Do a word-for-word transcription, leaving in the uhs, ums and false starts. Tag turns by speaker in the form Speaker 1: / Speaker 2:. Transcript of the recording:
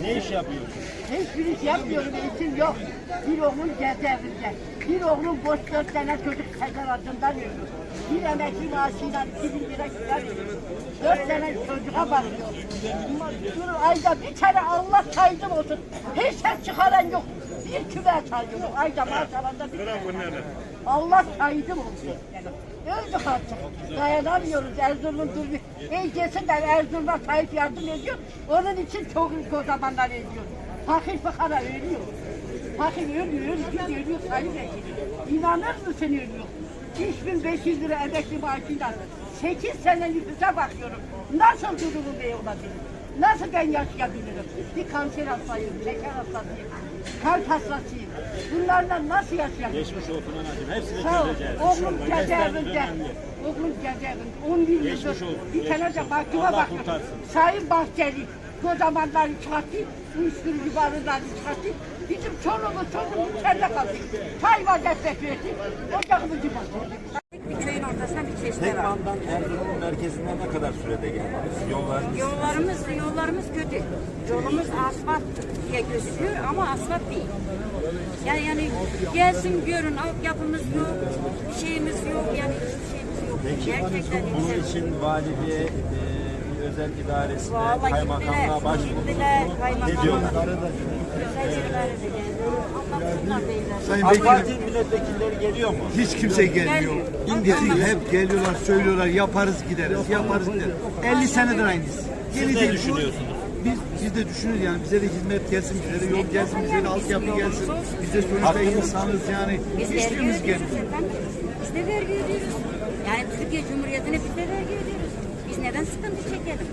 Speaker 1: Ne iş yapıyorsun?
Speaker 2: Hiçbir iş yapmıyorum, eğitim yok. Bir oğlum cezaevinde. Bir oğlum boş dört tane çocuk tezahüratından ölüyor. Bir emekli maaşıyla iki bin lira kira veriyor. Dört tane çocuğa bakıyor. Dur ayda bir tane Allah saydım olsun. Hiç ses çıkaran yok. Bir küve sayıyorum. Ayda maaş alanda bir küve. Allah saydım olsun. Yani öldük artık. Dayanamıyoruz. Erzurum duruyor. Eğilsin de Erzurum'a sahip yardım ediyor. Onun için çok o zamanlar ediyor. Fakir fakara ölüyor. Fakir ölüyor, ölüyor, ölüyor, sayı bekliyor. İnanır mısın ölüyor? üç bin beş yüz lira emekli maaşıyla sekiz sene nüfusa bakıyorum. Nasıl durumu bey olabilir? Nasıl ben yaşayabilirim? Bir kanser hastasıyım, şeker hastasıyım, kalp hastasıyım. Bunlarla nasıl yaşayabilirim?
Speaker 1: Geçmiş olsun anacığım. Hepsini
Speaker 2: Sağ ol.
Speaker 1: çözeceğiz.
Speaker 2: Oğlum
Speaker 1: İnşallah.
Speaker 2: cezaevinde.
Speaker 1: önemli.
Speaker 2: Oğlum cezaevinde. on bir
Speaker 1: Geçmiş
Speaker 2: yıldır
Speaker 1: olsun,
Speaker 2: bir tane
Speaker 1: geçmiş
Speaker 2: de
Speaker 1: olsun.
Speaker 2: mahkuma
Speaker 1: Allah
Speaker 2: baktım.
Speaker 1: kurtarsın.
Speaker 2: Sayın Bahçeli o zamanlar çıkarttı. Uyuşturucu barıları çıkarttı. Bizim çoluğumuz çocuğumuz içeride kaldı. Çay vaziyet verdi. Ocağımızı bastırdı.
Speaker 3: Bir köyün ortasında bir çeşme var.
Speaker 1: Tekman'dan Erzurum'un merkezine ne kadar sürede geldiniz? Yollar
Speaker 3: Yollarımız yollarımız kötü. Yolumuz asfalt diye gözüküyor ama asfalt değil. Yani yani gelsin görün altyapımız yok, bir şeyimiz yok yani hiçbir şeyimiz yok.
Speaker 1: Peki
Speaker 3: Gerçekten
Speaker 1: bunun
Speaker 3: güzel.
Speaker 1: için valiliğe, e, bir özel idaresine,
Speaker 3: Vallahi
Speaker 1: kaymakamlığa
Speaker 3: gittiler,
Speaker 1: başvurdunuz.
Speaker 3: gittiler,
Speaker 1: Ne
Speaker 3: kaymakamlığa.
Speaker 1: diyorlar?
Speaker 3: Güzel yerlere de geldi. Anlatsınlar beyler.
Speaker 4: Sayın
Speaker 1: AK
Speaker 4: Vekilim,
Speaker 1: Parti milletvekilleri geliyor mu?
Speaker 4: hiç kimse gelmiyor.
Speaker 3: Gelmiyor.
Speaker 4: Bizi hep geliyorlar, söylüyorlar, yaparız gideriz, yaparız gideriz. elli senedir aynıyız.
Speaker 1: Siz ne düşünüyorsunuz?
Speaker 4: Biz, biz de düşünürüz yani bize de hizmet gelsin, bize de yol gelsin, bize de altyapı gelsin. Biz de sonuçta insanız yani.
Speaker 3: Biz vergi
Speaker 4: Hiçbirimiz
Speaker 3: ödüyoruz
Speaker 4: gelmiyor.
Speaker 3: efendim. Biz de vergi ödüyoruz. Yani Türkiye Cumhuriyeti'ne biz de vergi ödüyoruz. Biz neden sıkıntı çekelim?